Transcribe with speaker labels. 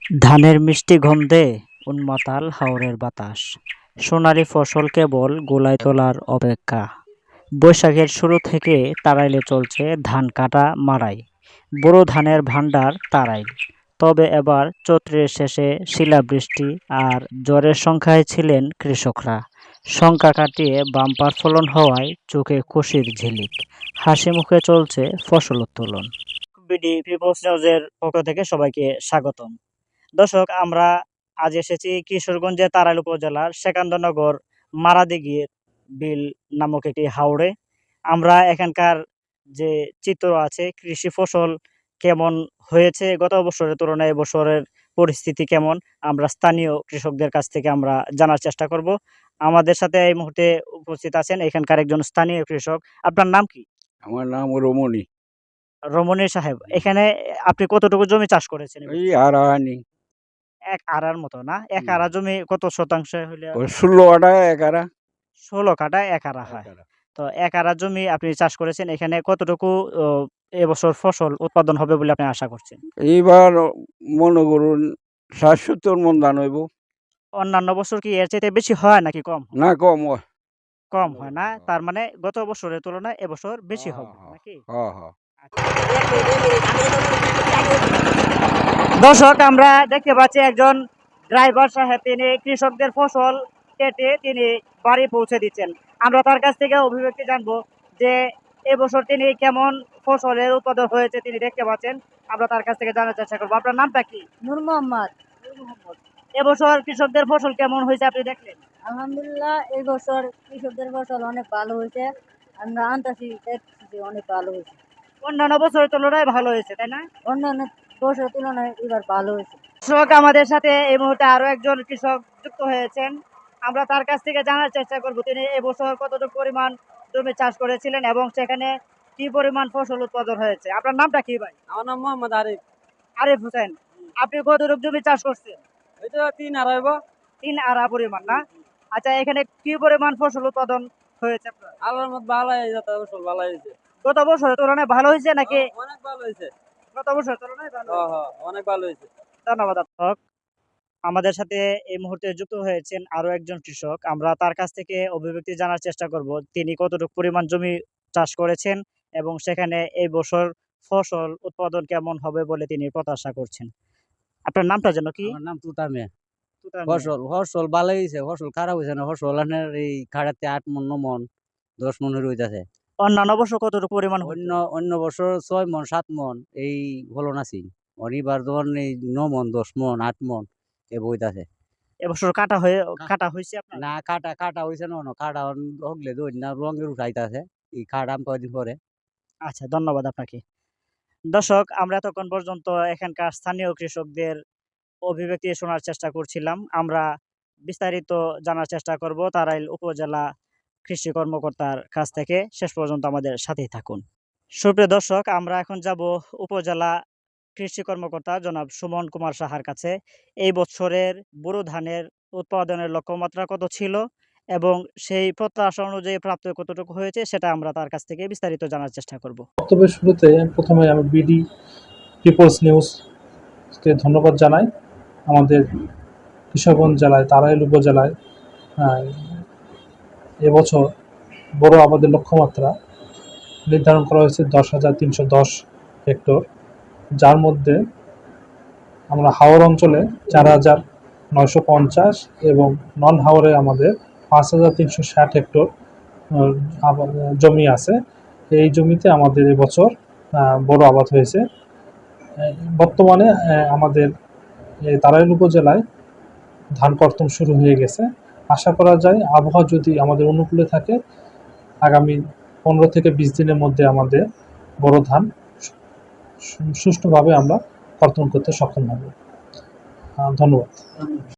Speaker 1: ধানের মিষ্টি গন্ধে উন্মাতাল হাওরের বাতাস, সোনালি ফসল কেবল গোলায় তোলার অপেক্ষা। বৈশাখের শুরু থেকে তাড়াইলে চলছে ধান কাটা মাড়াই, বোরো ধানের ভাণ্ডার তাড়াইল। তবে এবার চৈত্রের শেষে শিলাবৃষ্টি আর ঝড়ের সংখ্যায় ছিলেন কৃষকরা। শঙ্কা কাটিয়ে বাম্পার ফলন হওয়ায় চোখে খুশির ঝিলিক, হাসি মুখে চলছে ফসল উত্তোলন। বিডি পিপলস নিউজের পক্ষ থেকে সবাইকে স্বাগতম। দর্শক, আমরা আজ এসেছি কিশোরগঞ্জের তাড়াইল উপজেলার সেকান্দনগর মারাদিঘি বিল নামক একটি হাওরে। আমরা এখানকার যে চিত্র আছে, কৃষি ফসল কেমন হয়েছে গত বছরের তুলনায় এবছরের পরিস্থিতি কেমন, আমরা স্থানীয় কৃষকদের কাছ থেকে আমরা জানার চেষ্টা করব। আমাদের সাথে এই মুহূর্তে উপস্থিত আছেন এখানকার একজন স্থানীয় কৃষক। আপনার নাম কি?
Speaker 2: আমার নাম রমণী।
Speaker 1: রমণী সাহেব, এখানে আপনি কতটুকু জমি চাষ করেছেন?
Speaker 2: এই আর আনি
Speaker 1: এক আড়ার মতো না? এক আড়া জমি কত শতাংশ হইলে?
Speaker 2: 16 আটা 11
Speaker 1: 16 কাঠায় এক আড়া হয়। তো এক আড়া জমি আপনি চাষ করেছেন, এখানে কতটুকু ও এবছর ফসল উৎপাদন হবে বলে আপনি আশা করছেন?
Speaker 2: এইবার মনে করুন 60-70 মন ধান হইব।
Speaker 1: অন্যান্য বছর কি এর চাইতে বেশি হয় নাকি কম হয়?
Speaker 2: না কম হয়।
Speaker 1: কম হয় না, তার মানে গত বছরের তুলনায় এবছর বেশি হবে নাকি? দর্শক, আমরা দেখতে পাচ্ছি একজন ড্রাইভার সাহেব, তিনি কৃষকদের ফসল কেটে তিনি বাড়ি পৌঁছে দিচ্ছেন। আমরা তার কাছ থেকে অভিব্যক্তি জানবো যে এবছর তিনি কেমন ফসলের উৎপাদন হয়েছে তিনি দেখতে পাচ্ছেন। আমরা তার কাছ থেকে জানার চেষ্টা করবো। আপনার নামটা কি?
Speaker 3: নূর মোহাম্মদ।
Speaker 1: এবছর কৃষকদের ফসল কেমন হয়েছে আপনি দেখলেন?
Speaker 3: আলহামদুলিল্লাহ, এই বছর কৃষকদের ফসল অনেক ভালো হয়েছে। আমরা আনতাছি, দেখছি অনেক ভালো হয়েছে।
Speaker 1: অন্যান্য বছরের তুলনায় ভালো হয়েছে, তাই না?
Speaker 3: অন্যান্য বছরের তুলনায় এবার ভালো হয়েছে।
Speaker 1: কৃষক আমাদের সাথে এই মুহূর্তে আরো একজন কৃষক যুক্ত হয়েছেন। আমরা তার কাছ থেকে জানার চেষ্টা করব তিনি এবছর কতটুকু পরিমাণ জমি চাষ করেছিলেন এবং সেখানে কি পরিমাণ ফসল উৎপাদন হয়েছে। আপনার নামটা কি ভাই?
Speaker 4: আমার নাম মোহাম্মদ আরিফ।
Speaker 1: আরিফ হোসেন। আপনি কতটুকু জমি চাষ করছেন?
Speaker 4: এই তো 3 আড়াই হইব।
Speaker 1: 3 আড়া পরিমাণ না? আচ্ছা, এখানে কি পরিমাণ ফসল উৎপাদন হয়েছে আপনার?
Speaker 4: আল্লাহর মত ভালোই যত ফসল ভালো হয়েছে।
Speaker 1: গত বছরের তুলনায় ভালো হয়েছে নাকি?
Speaker 4: অনেক ভালো হয়েছে।
Speaker 1: গত বছরের তুলনায় ভালো?
Speaker 4: অনেক ভালো হয়েছে।
Speaker 1: ধন্যবাদ আপনাকে। আমাদের সাথে এই মুহূর্তে যুক্ত হয়েছেন আরো একজন কৃষক। আমরা তার কাছ থেকে অভিব্যক্তি জানার চেষ্টা করব তিনি কতটুকু পরিমাণ জমি চাষ করেছেন এবং সেখানে এই বছর ফসল উৎপাদন কেমন হবে বলে তিনি প্রত্যাশা করছেন। আপনার নামটা যেন কি?
Speaker 4: আমার নাম তুতা মিয়া।
Speaker 1: তুতার মিয়া।
Speaker 4: ফসল ভালো হয়েছে, ফসল খারাপ হয়েছে না। ফসল এই খাড়াতে 8 মন 9 মন 10 মন হইতাছে।
Speaker 1: অন্যান্য বছর কতটুকু পরিমাণ
Speaker 4: অন্য অন্য বছর 6 মন 7 মন এই ফলন আছে। অনিবার ধরুন এই 9 মন 10 মন 8 মন এ বইতাছে।
Speaker 1: এবছর কাটা হয়েছে আপনার?
Speaker 4: না কাটা হইছে না, কাটা হগলে দই না রঙের উঠাইতাছে। এই কাটাম কয়দিন পরে।
Speaker 1: আচ্ছা, ধন্যবাদ আপনাকে। দর্শক, আমরা এতক্ষণ পর্যন্ত এখানকার স্থানীয় কৃষকদের অভিব্যক্তি শোনার চেষ্টা করছিলাম। আমরা বিস্তারিত জানার চেষ্টা করব তাড়াইল উপজেলা কৃষি কর্মকর্তার কাছ থেকে। শেষ পর্যন্ত আমাদের সাথেই থাকুন। সুপ্রিয় দর্শক, আমরা এখন যাব উপজেলা কৃষি কর্মকর্তা জনাব সুমন কুমার সাহার কাছে। এই বছরের বোরো ধানের উৎপাদনের লক্ষ্যমাত্রা কত ছিল এবং সেই প্রত্যাশা অনুযায়ী প্রাপ্ত কতটুকু হয়েছে সেটা আমরা তার কাছ থেকে বিস্তারিত জানার চেষ্টা করব।
Speaker 5: বক্তব্যের শুরুতে প্রথমে আমি বিডি পিপলস নিউজকে ধন্যবাদ জানাই। আমাদের কিশোরগঞ্জ জেলায় তাড়াইল উপজেলায় এবছর বড় আবাদের লক্ষ্যমাত্রা নির্ধারণ করা হয়েছে 10,310 হেক্টর, যার মধ্যে আমরা হাওর অঞ্চলে 4,950 এবং নন হাওরে আমাদের 5,360 হেক্টর জমি আছে। এই জমিতে আমাদের এবছর বড় আবাদ হয়েছে। বর্তমানে আমাদের তাড়াইল উপজেলায় ধান কর্তন শুরু হয়ে গেছে। আশা করা যায় আবহাওয়া যদি আমাদের অনুকূলে থাকে, আগামী 15 থেকে 20 দিনের মধ্যে আমাদের বড় ধান সুষ্ঠুভাবে আমরা কর্তন করতে সক্ষম হব। ধন্যবাদ।